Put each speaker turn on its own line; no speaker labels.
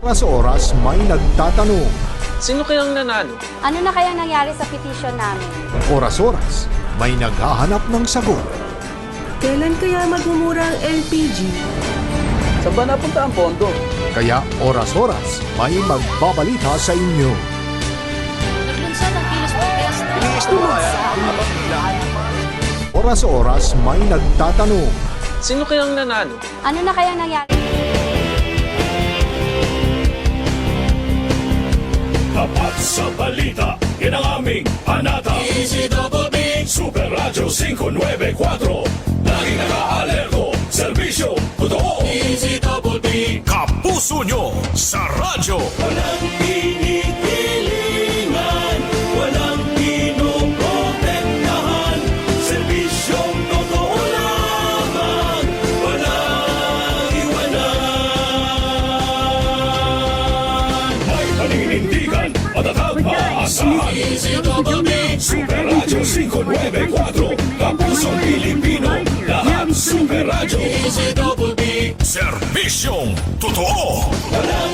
Sa oras may nagtatanong.
Sino kayang nanalo?
Ano na kaya nangyari sa petisyon namin?
Oras-oras may naghahanap ng sagot.
Kailan kaya magmumura ang LPG?
Saan ba napunta ang pondo?
Kaya oras-oras may magbabalita sa inyo.
Naglunsad ang kilos protesta.
Oras-oras may nagtatanong.
Sino kayang nanalo?
Ano na kaya nangyari?
Tapat sa balita, yan ang aming panata. DZBB Super Radio 594. Laging naka-alerto, serbisyo, totoo. DZBB Kapuso nyo sa radyo. Walang pinipilingan, walang pinoprotektahan. Serbisyong totoo lamang, walang iwanan. May paninindigan, matatag maasahan. DZBB Super Radio 594. Kapusong Pilipino, lahat Super Radio. DZBB Serbisyong totoo.